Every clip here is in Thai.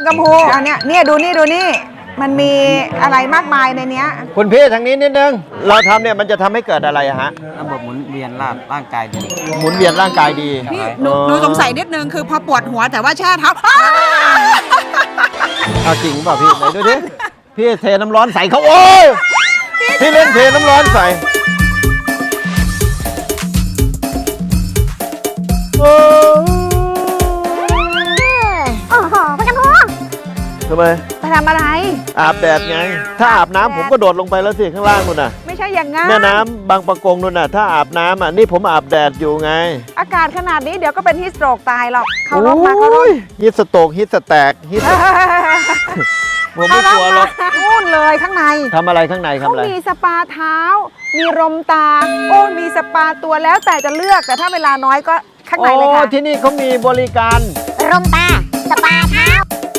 กัมพูอันเนี้ยเนี่ยดูนี่มันมีอะไรมากมายในเนี้ยคุณพี่ทางนี้นิดนึงเราทำเนี่ยมันจะทำให้เกิดอะไรฮะระบบหมุนเวียนร่างกายดีหมุนเวียนร่างกายดีพี่หนูสงสัยนิดนึงคือพอปวดหัวแต่ว่าแช่เท้าเอาจริงเปล่าพี่ไหนดูดิพี่เทน้ำร้อนใส่เขาโอ้ยพี่เล่นเทน้ำร้อนใส่โอ้โหพกันพูทำไมไปทำอะไรอาบแดดไงถ้าอาบน้ำผมก็โดดลงไปแล้วสิข้างล่างนู่นน่ะไม่ใช่อย่างงั้นแม่น้ำบางปะกงนู่นน่ะถ้าอาบน้ำอ่ะนี่ผมอาบแดดอยู่ไงอากาศขนาดนี้เดี๋ยวก็เป็นฮีทสโตรกตายหรอกเขาลงมาฮีทสโตรกฮีทสแตกฮีทผมไม่กลัวหรอกนู่นเลยข้างในทำอะไรข้างในเขามีสปาเท้ามีรมตาโอ้มีสปาตัวแล้วแต่จะเลือกแต่ถ้าเวลาน้อยก็ข้างในเลยค่ะที่นี่เขามีบริการรมตาสปาเท้า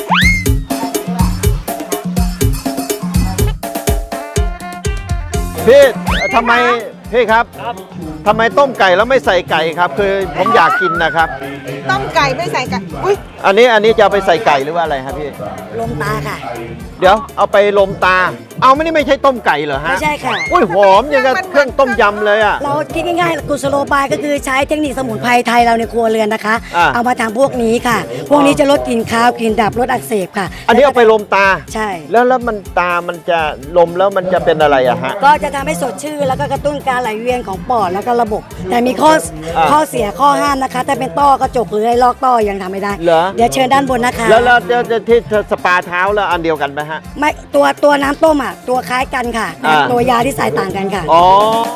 พี่ทำไมพี่ครับทำไมต้มไก่แล้วไม่ใส่ไก่ครับคือผมอยากกินนะครับต้มไก่ไม่ใส่ไก่อุ้ยอันนี้จะเอาไปใส่ไก่หรือว่าอะไรครับพี่ลมตาค่ะเดี๋ยวเอาไปลมตาเอาไม่ใช่ต้มไก่เหรอฮะไม่ใช่ค่ะอุ้ยหอมอย่างกับเครื่องต้มยำเลยอ่ะเราคิดง่ายๆกุศโลบายก็คือใช้เทคนิคสมุนไพรไทยเราในครัวเรือนนะคะเอามาทำพวกนี้ค่ะพวกนี้จะลดกลิ่นคาวกลิ่นดับลดอักเสบค่ะอันนี้เอาไปลมตาใช่แล้วมันตามันจะลมแล้วมันจะเป็นอะไรอะฮะก็จะทำให้สดชื่นแล้วก็กระตุ้นการไหลเวียนของปอดแล้วก็ระบบแต่มีข้อเสียข้อห้ามนะคะถ้าเป็นต้อกระจกหรือไอ้ลอกต้อยังทำไม่ได้เดี๋ยวเชิญด้านบนนะคะแล้วที่สปาเท้าแล้วอันเดียวกันไหมฮะไม่ตัวน้ำต้มอ่ะตัวคล้ายกันค่ะตัวยาที่ใส่ต่างกันค่ะอ๋อ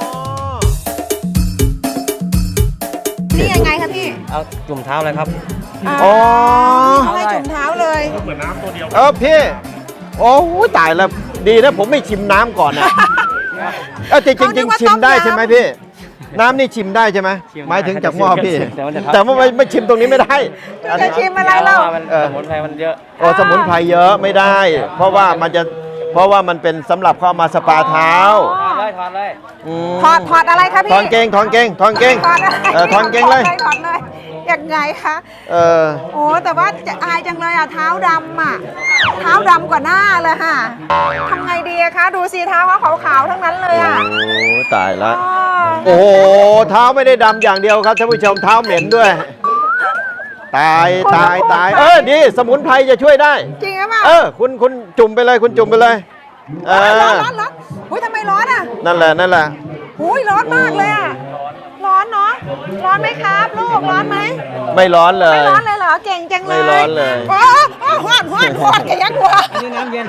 นี่ยังไงคะพี่เอาจุ่มเท้าเลยครับอ๋อให้จุ่มเท้าเลยเหมือนน้ำตัวเดียวพี่โอ้ตายแล้วดีนะผมไม่ชิมน้ำก่อนนะจริงชิมได้ใช่ไหมพี่น้ำนี่ชิมได้ใช่ไหมหมายถึงจากหม้อพี่แต่ว่าไม่ชิมตรงนี้ไม่ได้จะชิมอะไรเล่าสมุนไพรมันเยอะสมุนไพรเยอะไม่ได้เพราะว่ามันเป็นสำหรับเข้ามาสปาเท้าถอดเลยถอดอะไรคะพี่ถอนเกงถอนเกงเลยถอนเกงเลยยังไงคะโอ้แต่ว่าจะอายจังเลยอ่ะเท้าดำอ่ะเท้าดำกว่าหน้าเลยค่ะทำไงดีคะดูสิเท้าเขาขาวๆทั้งนั้นเลยอ่ะโอ้ตายละโอ้เท้าไม่ได้ดำอย่างเดียวครับท่านผู้ชมเท้าเหม็นด้วยตายดีสมุนไพรจะช่วยได้จริงหรือเปล่าคุณจุ่มไปเลยคุณจุ่มไปเลยร้อนอุ้ยทำไมร้อนอ่ะนั่นแหละอุ้ยร้อนมากเลยอ่ะร้อนเนาะร้อนไหมครับลูกร้อนไหมไม่ร้อนเลยไม่ร้อนเลยเหรอเก่งจังเลยไม่ร้อนเลยหวดกันยังวะนี่น้ำเย็น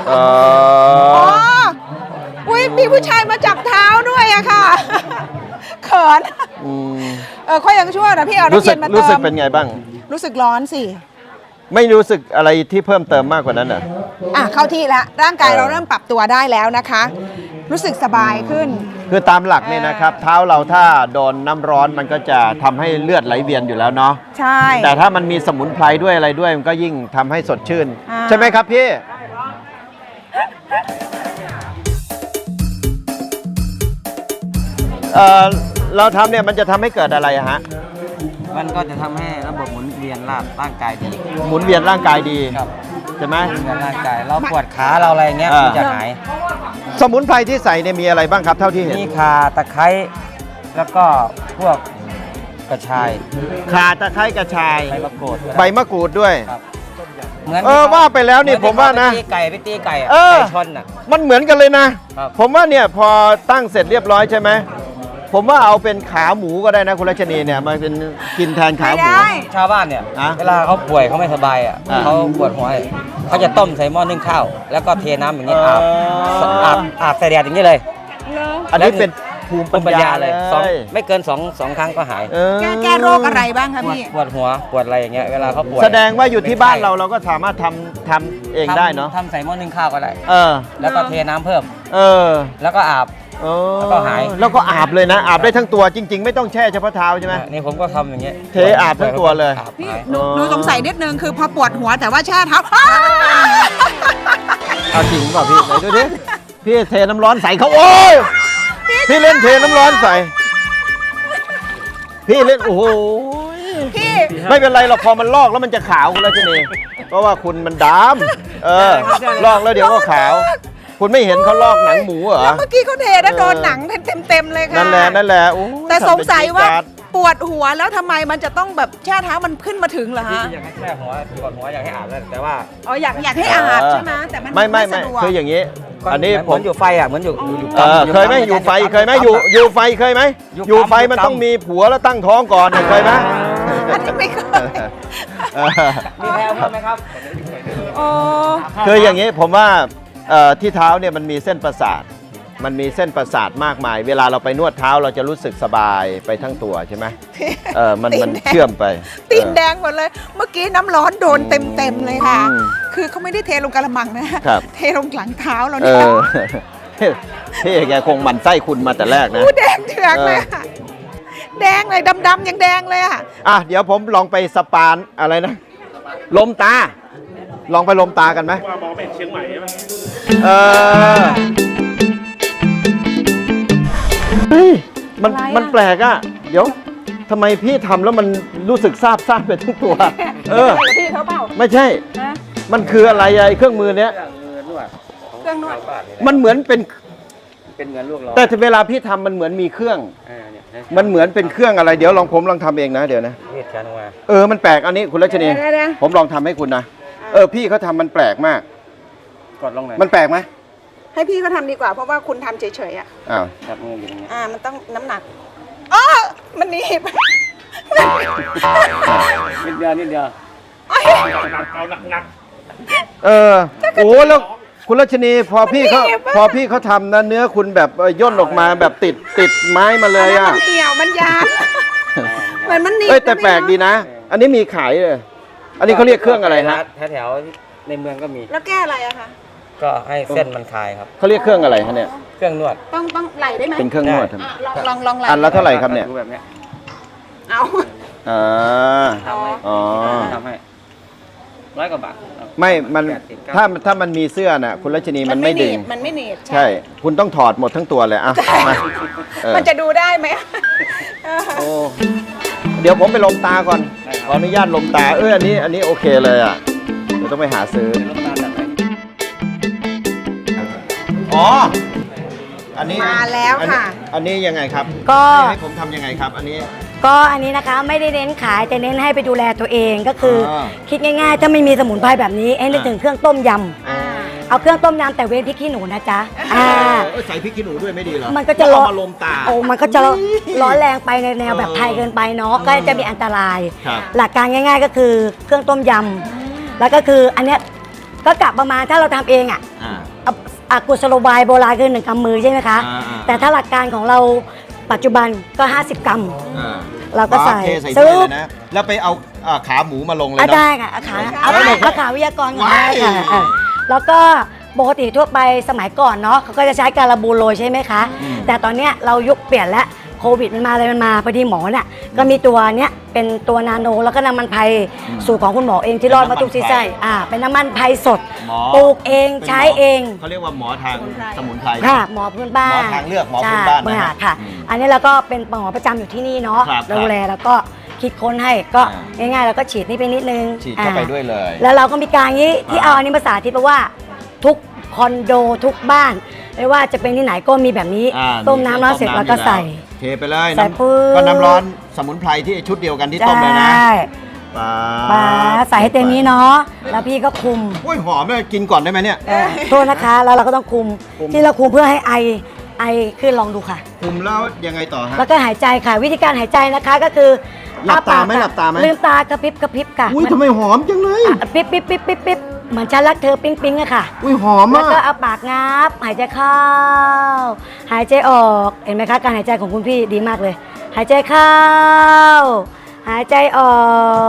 อุ้ยมีผู้ชายมาจับเท้าด้วยอะค่ะเขินค่อยยังชั่วนะพี่เอาน้ำเย็นมาเติมรู้สึกเป็นไงบ้างรู้สึกร้อนสิไม่รู้สึกอะไรที่เพิ่มเติมมากกว่านั้นเหรอเข้าที่แล้วร่างกายเราเริ่มปรับตัวได้แล้วนะคะรู้สึกสบายขึ้นคือตามหลักเนี่ยนะครับเท้าเราถ้าโดนน้ำร้อนมันก็จะทำให้เลือดไหลเวียนอยู่แล้วเนาะใช่แต่ถ้ามันมีสมุนไพรด้วยอะไรด้วยมันก็ยิ่งทำให้สดชื่นใช่ไหมครับพี่เราทำเนี่ยมันจะทำให้เกิดอะไรฮะมันก็จะทำให้ระบบหมุนเวียนร่างกายดีหมุนเวียนร่างกายดีใช่ไหมหมุนเวียนร่างกายเราปวดขาเราอะไรเงี้ยมันจะหายสมุนไพรที่ใส่เนี่ยมีอะไรบ้างครับเท่าที่เห็นมีข่าตะไคร้แล้วก็พวกกระชายข่าตะไคร้กระชายใบมะกรูดด้วยเหมือนว่าไปแล้วนี่ผมว่านะไปตีไก่ชนมันเหมือนกันเลยนะผมว่าเนี่ยพอตั้งเสร็จเรียบร้อยใช่ไหมผมว่าเอาเป็นขาหมูก็ได้นะคุณรัชนีเนี่ยมันเป็นกินแทนขาหมูชาวบ้านเนี่ยเวลาเขาป่วยเขาไม่สบายเขาปวดหัวเขาจะต้มใส่หม้อนึ่งข้าวแล้วก็เทน้ำอย่างนี้อาบใส่แดดอย่างนี้เลยอันนี้เป็นภูมิปัญญาเลยไม่เกินสองครั้งก็หายแก้โรคอะไรบ้างคะพี่ปวดหัวปวดอะไรอย่างเงี้ยเวลาเขาปวดแสดงว่าอยู่ที่บ้านเราก็สามารถทำเองได้เนาะทำใส่หม้อนึ่งข้าวก็ได้แล้วก็เทน้ำเพิ่มแล้วก็อาบแล้วก็หายแล้วก็อาบเลยนะอาบได้ทั้งตัวจริงๆไม่ต้องแช่เฉพาะเท้าใช่ไหมนี่ผมก็ทำอย่างเงี้ยเทอาบทั้งตัวเลยพี่หนูสงสัยนิดนึงคือพอปวดหัวแต่ว่าแช่เท้าเอาจริงเปล่าพี่ไหนดูดิพี่เทน้ำร้อนใส่เขาโอ้ยพี่เล่นเทน้ำร้อนใส่พี่เล่นโอ้โหพี่ไม่เป็นไรหรอกพอมันลอกแล้วมันจะขาวคุณรัชนีเพราะว่าคุณมันดำลอกแล้วเดี๋ยวก็ขาว คุณไม่เห็นเขาลอกหนังหมูเหรอแล้วเมื่อกี้เขาเทนะโดนหนังเต็มเลยค่ะนั่นแหละโอ้แต่สงสัยว่าทำเป็นจี๊ดจ๊ดปวดหัวแล้วทำไมมันจะต้องแบบแช่เท้ามันขึ้นมาถึงเหรอที่ฮะอยากให้แช่หัวปวดหัวอยากให้อาบแล้วแต่ว่าอ๋ออยากให้อาบใช่ไหมแต่มันไม่สะดวกคืออย่างนี้ อันนี้เหมือนอยู่ไฟอ่ะเหมือนอยู่เคยไหมอยู่ไฟเคยไหมอยู่ไฟเคยไหมอยู่ไฟมันต้องมีผัวแล้วตั้งท้องก่อนเคยไหมอันนี้ไม่เคยมีแพลวเพิ่มไหมครับโอ้คืออย่างนี้ผมว่าที่เท้าเนี่ยมันมีเส้นประสาท มันมีเส้นประสาทมากมาย เวลาเราไปนวดเท้าเราจะรู้สึกสบายไปทั้งตัวใช่ไหมมันเชื่อมไปตีนแดงหมดเลย เมื่อกี้น้ำร้อนโดนเต็มเลยค่ะอืมคือเขาไม่ได้เทลงกระมังนะครับ เทลงหลังเท้าเราเอเนี่ยอ พี่แกคงหมั่นไส้คุณมาแต่แรกนะอู้แดงเถือกเลยอะแดงเลยดำๆยังแดงเลยอ่ะเดี๋ยวผมลองไปสปานอะไรนะ ลมตา ลองไปลมตากันไหมว่ามองเป็นเชียงใหม่ใช่ไหมเฮ้ยมันแปลกอ่ะ เดี๋ยวทำไมพี่ทำแล้วมันรู้สึกซาบไปทั้งตัวพี่เขาเปล่าไม่ใช่ มันคืออะไรไอ้เครื่องมือเนี้ยเครื่องนวดมันเหมือนเป็นเป็นเงินลูกเราแต่เวลาพี่ทำมันเหมือนมีเครื่อง มันเหมือนเป็นเครื่องอะไร เดี๋ยวผมลองทำเองนะเดี๋ยวนะเวียดแขนออกมามันแปลกอันนี้คุณรัชนีเดี๋ยวผมลองทำให้คุณนะ พี่เขาทำมันแปลกมากกดลงหน่อยมันแปลกไหมให้พี่เขาทำดีกว่าเพราะว่าคุณทำเฉยๆอ่ะอ้าวจับมืออยู่ตรงนี้มันต้องน้ำหนักอ๋อมันหนีบนิดเดียวนิดเดียวโอ้แล้วคุณรัชนีพอพี่เขาทำนะเนื้อคุณแบบย่นออกมาแบบติดไม้มาเลยอ่ะมันเหี่ยวมันยานเหมือนมันหนีบแต่แปลกดีนะ อันนี้มีขายเลยอันนี้เขาเรียกเครื่องอะไรฮะแถวๆในเมืองก็มีแล้วแก้อะไรอะคะก็ให้เส้นมันคลายครับเขาเรียกเครื่องอะไรฮะเนี่ยเครื่องนวดต้องไหลได้ไหมเป็นเครื่องนวดครับลองไหลอันละเท่าไหร่ครับเนี่ยดูแบบเนี้ยเอาอ่าทำให้อ๋อทำให้100 กว่าบาทไม่มัน 80 ถ้ามันมีเสื้อน่ะคุณรัชนีมันไม่ดึงมันไม่หนีบใช่ คุณต้องถอดหมดทั้งตัวเลยอ่ะมาเออมันจะดูได้ไหมโอ้เดี๋ยวผมไปลมตาก่อน ขออนุญาตลมตา อันนี้โอเคเลยอ่ะ เดี๋ยวต้องไปหาซื้อ อ๋อ อันนี้มาแล้วค่ะอันนี้ยังไงครับก็ให้ผมทำยังไงครับ อันนี้ก็อันนี้นะคะไม่ได้เน้นขายแต่เน้นให้ไปดูแลตัวเองก็คือออคิดง่ายๆ ถ้าไม่มีสมุนไพรแบบนี้ให้นึกถึงเครื่องต้มยำเอาเครื่องต้มยำแต่เว้นพริกขี้หนูนะจ๊ะใส่พริกขี้หนูด้วยไม่ดีเหรอมันก็จะเอามาลมตาโอ้มันก็จะร้อนแรงไปในแนวแบบไทยเกินไปเนาะก็จะมีอันตรายครับหลักการง่าย ๆ ก็คือเครื่องต้มยำแล้วก็คืออันเนี้ยก็กลับประมาณถ้าเราทำเองอ่ะ กุศโลบายโบราณคือ1 กำมือใช่ไหมคะ แต่ถ้าหลักการของเราปัจจุบันก็ 50 กรัม เราก็ใส่เทใส่ซื้ถ้วยอเลยนะ แล้วไปเอาขาหมูมาลงเลยอ่ะเนาะได้ค่ะเอาขาวิทยากรก่อนว้ายค่ะแล้วก็ปกติทั่วไปสมัยก่อนเนาะเขาก็จะใช้การบูโรยใช่ไหมคะ แต่ตอนเนี้ยเรายุคเปลี่ยนแล้วโควิดมันมาอะไรมันมาพอดีหมอเนี่ยก็มีตัวเนี้ยเป็นตัวนาโนแล้วก็น้ำมันไพรสูตรของคุณหมอเองที่รอดมาทุกซีไส้เป็นน้ำมันไพรสดหมอปลูกเองใช้เองเขาเรียกว่าหมอทางสมุนไพรค่ะหมอพื้นบ้านหมอทางเลือกหมอพื้นบ้านนะใช่ฮะค่ะ อันนี้เราก็เป็นหมอประจำอยู่ที่นี่เนาะครับดูแลแล้วก็คิดค้นให้ก็ง่ายๆแล้วก็ฉีดนี่ไปนิดนึงฉีดเข้าไปด้วยเลยแล้วเราก็มีการนี้ที่เอาอันนี้ภาษาที่แปลว่าทุกคอนโดทุกบ้านไม่ว่าจะเป็นที่ไหนก็มีแบบนี้ ต้มน้ำร้อนเสร็จแล้วก็ใส่เทไปเลยใส่ปุ๊บก็น้ำร้อนสมุนไพรที่ชุดเดียวกันที่ต้มเลยนะใช่ปลาใส่ให้เต็มนี้เนาะแล้วพี่ก็คุมอุ้ยหอมเลยกินก่อนได้ไหมเนี่ยโทษนะคะแล้วเราก็ต้องคุมที่เราคุมเพื่อให้ไอขึ้นลองดูค่ะคุมแล้วยังไงต่อฮะแล้วก็หายใจค่ะวิธีการหายใจนะคะก็คือหลับตาไหมอ้ปกหลับตาไหมลืมตากระพริบกระพริบค่ะอุ้ยทำไมหอมจังเลยปิ๊บปิ๊บปิ๊บปิ๊บปิ๊บเหมือนฉันรักเธอปิ๊งปิ๊งอะค่ะอุ้ยหอมแล้วมากก็เอาปากงับหายใจเข้า หายใจออกเห็นไหมคะการหายใจของคุณพี่ดีมากเลย หายใจเข้า หายใจออก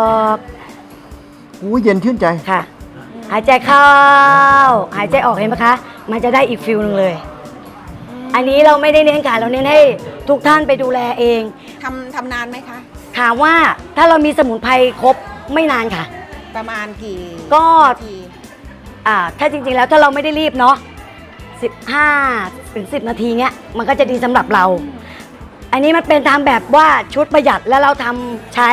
อุ้ยเย็นชื่นใจค่ะ หายใจเข้า หายใจออกเห็นไหมคะ มันจะได้อีกฟิลนึงเลย อันนี้เราไม่ได้เน้นขายเราเน้นให้ทุกท่านไปดูแลเองทำนานไหมคะถามว่าถ้าเรามีสมุนไพรครบไม่นานค่ะประมาณกี่ก็นาทีถ้าจริงๆแล้วถ้าเราไม่ได้รีบเนาะ15 ถึง 10 นาทีเนี้ยมันก็จะดีสำหรับเรา อันนี้มันเป็นทำแบบว่าชุดประหยัดแล้วเราทำใช้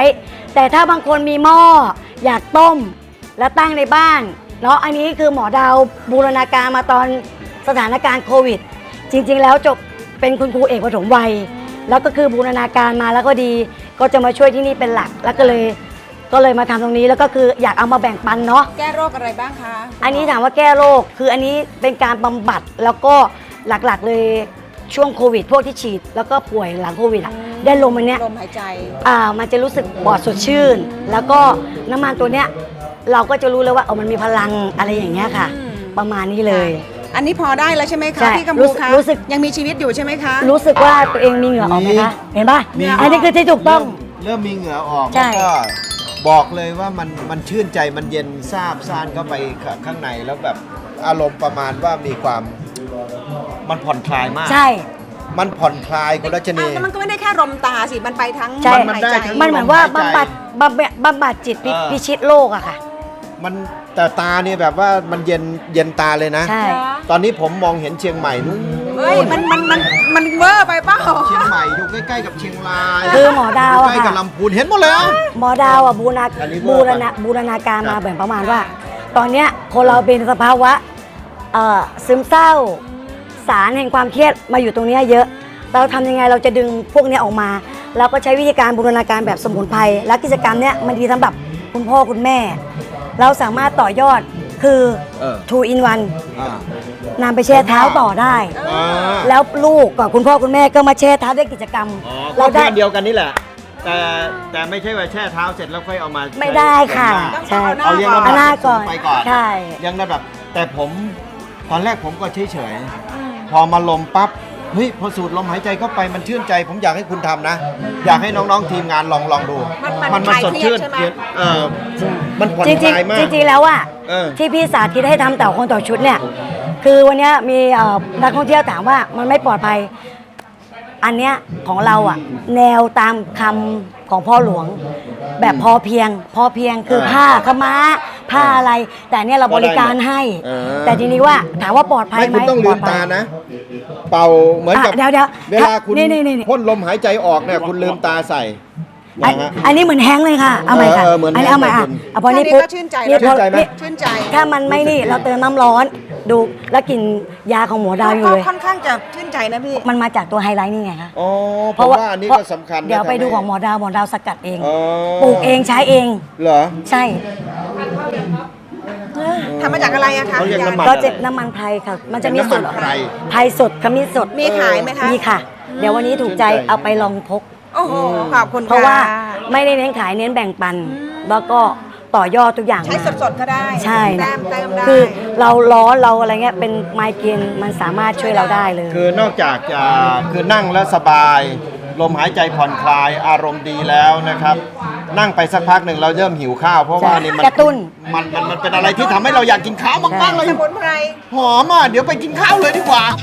แต่ถ้าบางคนมีหม้ออยากต้มแล้วตั้งในบ้านเนาะอันนี้คือหมอดาวบูรณาการมาตอนสถานการณ์โควิด จริงๆแล้วจบเป็นคุณครูเอกปฐมวัยแล้วก็คือบูรณาการมาแล้วก็ดีก็จะมาช่วยที่นี่เป็นหลักแล้วก็เลยมาทำตรงนี้แล้วก็คืออยากเอามาแบ่งปันเนาะแก้โรคอะไรบ้างคะอันนี้ถามว่าแก้โรคคืออันนี้เป็นการบำบัดแล้วก็หลักๆเลยช่วงโควิดพวกที่ฉีดแล้วก็ป่วยหลังโควิดอะได้ลมอันเนี้ยลมหายใจมันจะรู้สึกปอดสดชื่น แล้วก็น้ำมันตัวเนี้ยเราก็จะรู้เลยว่ามันมีพลังอะไรอย่างเงี้ยค่ะ ประมาณนี้เลยอันนี้พอได้แล้วใช่ไหมใช่คะพี่กัมพูคะรู้สึกยังมีชีวิตอยู่ใช่ไหมคะรู้สึกว่าตัวเองมีเหงื่อออกไหมคะ เห็นป่ะมีอันนี้คือที่ถูกต้องเริ่มมีเหงื่อออกใช่แล้วก็บอกเลยว่ามันชื่นใจมันเย็นซาบซ่านเข้าไปข้างในแล้วแบบอารมณ์ประมาณว่ามีความมันผ่อนคลายมากใช่มันผ่อนคลายคุณรัชนีแต่มันก็ไม่ได้แค่ลมตาสิ มันไปทั้งใช่ลมหายใจมันเหมือนว่าบำบัดหายใจบำบัดจิตเออพิชิตโลกอะค่ะมันแต่ตาเนี่ยแบบว่ามันเย็นตาเลยนะใช่ตอนนี้ผมมองเห็นเชียงใหม่นู้นเฮ้ยมันเวอร์ไปเปล่าเชียงใหม่อยู่ใกล้ๆกับเชียงรายคือหมอดาวอะใกล้ๆกับค่ะลำพูนเห็นหมดเลยอะหมอดาวอะบูรณาอันนี้เวอร์ไปบูรณาการมาแบบประมาณว่า ตอนเนี้ยคนเราเป็นสภาวะซึมเศร้า สารแห่งความเครียดมาอยู่ตรงเนี้ยเยอะ เราทำยังไงเราจะดึงพวกเนี้ยออกมา เราก็ใช้วิธีการบูรณาการแบบสมุนไพรและกิจกรรมเนี้ยมันดีสำหรับคุณพ่อคุณแม่ เราสามารถต่อยอดคือ 2 in 1 อ่านำไปแช่เท้าต่อได้อ่าแล้วลูกกับคุณพ่อคุณแม่ก็มาแช่เท้าด้วยกิจกรรมอ๋อเราก็ได้แค่เดียวกันนี่แหละ แต่ไม่ใช่ว่าแช่เท้าเสร็จแล้วค่อยเอามาไม่ได้ค่ะใช้ใช่เอาเลี้ยงเอาหน้าก่อนไปก่อนใช่เลี้ยงระดับแต่ผมตอนแรกผมก็เฉยๆพอมาลมปั๊บเฮ้ยพอสูดลมหายใจเข้าไปมันชื่นใจ ผมอยากให้คุณทำนะ อยากให้น้องๆทีมงานลองดูมันคลายสดชื่นเครียดใช่ไหมมันผ่อนจริงคลายมากๆจริงๆแล้วอะเออที่พี่สาธิตให้ทำแต่คนต่อชุดเนี่ย คือวันเนี้ยมีนักท่องเที่ยวถามว่ามันไม่ปลอดภัย อันเนี้ยของเราอะแนวตามคำของพ่อหลวง แบบพอเพียงคือผ้าขาวม้าผ้าอะไร แต่เนี่ยเราบริการให้ แต่ทีนี้ว่าถามว่าปลอดภัยไม่ไหมคุณต้องลืมตานะ เป่าเหมือนกับเดี๋ยวเวลาคุณนี่พ่นลมหายใจออกเนี่ยคุณลืมตาใส่อันนี้เหมือนแฮงก์เลยค่ะเอาใหม่ค่ะเหมือนอันนี้เอาใหม่แฮอ่ะงก์เอาพอนี้แค่นี้ปุ๊บก็ชื่นใจนี่แล้วพอชื่นใจไหมนี่ชื่นใจถ้ามันไม่นี่เราเติมน้ำร้อนดูแล้วกลิ่นยาของหมอดาวอยู่ก็เลยค่อนข้างจะชื่นใจนะพี่มันมาจากตัวไฮไลท์นี่ไงคะอ๋อเพราะว่าอันนี้ก็สำคัญนะเดี๋ยวไปดูทำให้ของหมอดาวสกัดเองอ๋อปลูกเองใช้เองเหรอใช่ทำมาจากอะไรอะคะเขาเรียกน้ำมันก็จะน้ำมันไพรค่ะ มันจะมีสดน้ำมันไพรไพรสดขมิ้นสดมีขายไหมคะมีค่ะ เดี๋ยววันนี้ถูกใจชื่นใจเอาไปลองพกโอ้โห ขอบคุณเพราะว่าค่ไม่ได้เน้นขายเน้นแบ่งปัน แล้วก็ต่อยอดทุกอย่างใช้สดๆก็ได้ใช่แต้นะมได้คือเราร้อนเราอะไรเงี้ยเป็นไมเกรนมันสามารถช่วยเราได้เลยคือนอกจากจะคือนั่งแล้วสบาย ลมหายใจผ่อนคลายอารมณ์ดีแล้วนะครับ นั่งไปสักพักหนึ่งเราเริ่มหิวข้าว เพราะว่านี่มันกระตุ้นมันเป็นอะไรที่ทำให้เราอยากกินข้าวมากๆเลยสมุนไพรหอมอ่ะเดี๋ยวไปกินข้าวเลยดีกว่า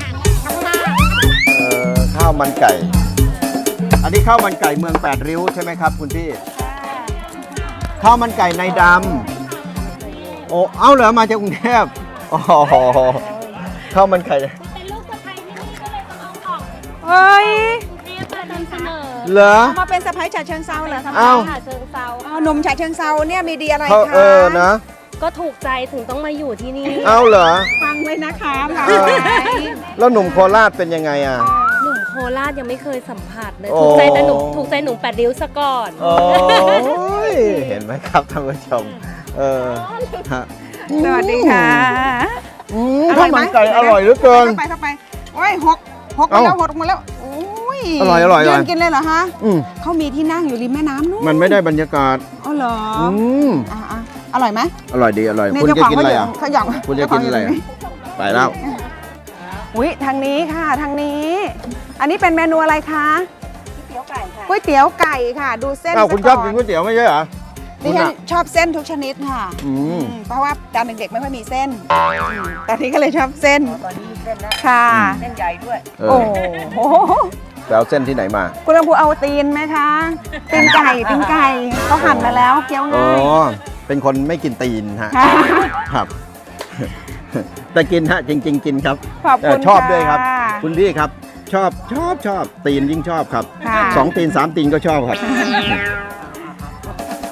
ข้าวมันไก่ อันนี้ข้าวมันไก่เมือง8ริ้วใช่ไหมครับคุณพี่ข้าวมันไก่ในดำโอ้เอ้าเหรอมาจากกรุงเทพอ๋อข้าวมันไก่เป็นลูกสะใภ้ที่นี่ก็เลยต้องเอาออกเฮ้ยเรียกมานำเสนอเหรอเอามาเป็นสะพ้ายฉะเชิงเซาเหรอคะอ้าวหาเชิงเซาอ๋อหนุ่มฉะเชิงเซาเนี่ยมีดีอะไรเขาคะนะก็ถูกใจถึงต้องมาอยู่ที่นี่เอาเหรอฟังไว้นะคะฟังเออไว้แล้วหนุ่มโคราชเป็นยังไงอ่ะหนุ่มโคราชยังไม่เคยสัมผัสเลยโอ้ถูกใจแต่หนุ่มถูกใจหนุ่ม8ริ้วซะก่อนโอ้ยเห็นไหมครับท่านผู้ชมฮะสวัสดีค่ะข้าวมันไก่อร่อยเหลือเกินเข้าไปโอ้ยหกมาแล้วหกมาแล้วโอ้ยอร่อยอร่อยยืนกินเลยเหรอคะอืมเขามีที่นั่งอยู่ริมแม่น้ำนู่นมันไม่ได้บรรยากาศอ๋อเหรอมอ่ะอร่อยไหมอร่อยดีอร่อยเนี่ยคุณเจ้าจะของกินเขาอะไรอยู่อ่ะเขาหยองคุณจะกินอะไรอ่ะไปแล้วอุ้ยทางนี้ค่ะทางนี้ อันนี้เป็นเมนูอะไรคะก๋วยเตี๋ยวไก่ค่ะ ดูเส้นอ้าวคุณชซะอบกินก๋วยเตี๋ยวไม่ใช่เหรอดิฉันชอบเส้นทุกชนิดค่ะอืมเพราะว่าตอนเด็กๆไม่ค่อยมีเส้นตอนนี้ก็เลยชอบเส้นตอนนี้มีเส้นแล้วค่ะเอโอ้อโหไปเอาเส้นที่ไหนมาคุณลำพูเอาตีนไหมคะตีนไก่เขาหั่นมาแล้วเคี้ยวอ๋อง่ายเป็นคนไม่กินตีนฮะค่ะครับ แต่กินฮะจริง ๆ กินครับขอบคุณชอบด้วยครับค่ะคุณพี่ครับ ชอบตีนยิ่งชอบครับค่ะ 2 ตีน 3 ตีนก็ชอบครับ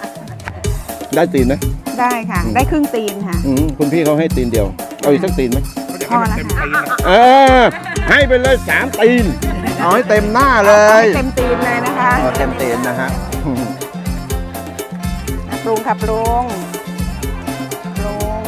ได้ตีนไหมได้ค่ะ ได้ครึ่งตีนค่ะคุณพี่เขาให้ตีนเดียว เอาอีกสักตีนไหมพอแล้วค่ะให้ไปเลย3 ตีน เอาให้เต็มหน้าเลให้ยเต็มตีนเลยนะคะเอาเต็มตีนนะฮะปรุงค่ะปรุงปรุง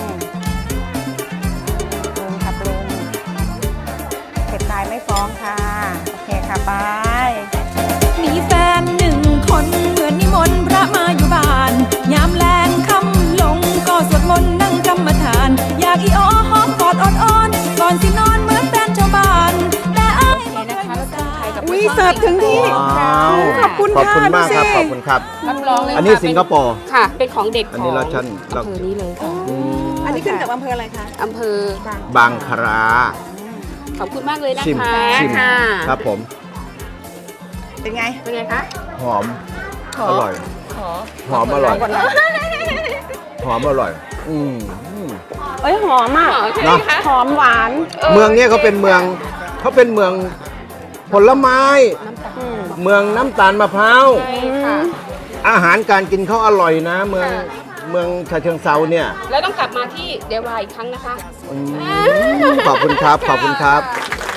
ค่ะปรุงเผ็ดตายไม่ฟ้องค่ะ โอเคค่ะไปมีแฟน1 คนเหมือนนิมนต์พระมาอยู่บ้าน ยามแลงค่ำลงก็สวดมนต์นั่งกรรมฐาน อยากอีอ้อหอมกอดอ่อนๆก่อนสินอนเหมือนแฟนชาวบ้าน แต่อ้ายไม่เคยรู้สายอุ้ยเสิร์ฟถึงที่ว้าวขอบคุณขอบค่ะคุณมากครับดูสิขอบคุณครับรับรองเลยอันนี้ค่ะสิงคโปร์ค่ะ เป็นของเด็ดอันขนี้องเราชั้นเราอำเภอนี้เลยค่ะอันนี้ขึ้นกับอำเภออะไรคะอำเภอบางคราขอบคุณมากเลยนะชิมคะชิมค่ะครับผมเป็นไงเป็นไงคะหอม อร่อย หอมอร่อย หอมอร่อยเอ้ยหอมอ่ะใช่ไหมคะหอมหวานเมืองเนี้ยเขาเป็นเมืองผลไม้ เมืองน้ำตาลมะพร้าวใช่ค่ะอาหารการกินเขาอร่อยนะ เมืองฉะเชิงเซาเนี่ยแล้วต้องกลับมาที่เดวายอีกครั้งนะคะขอบคุณครับ ขอบคุณครับ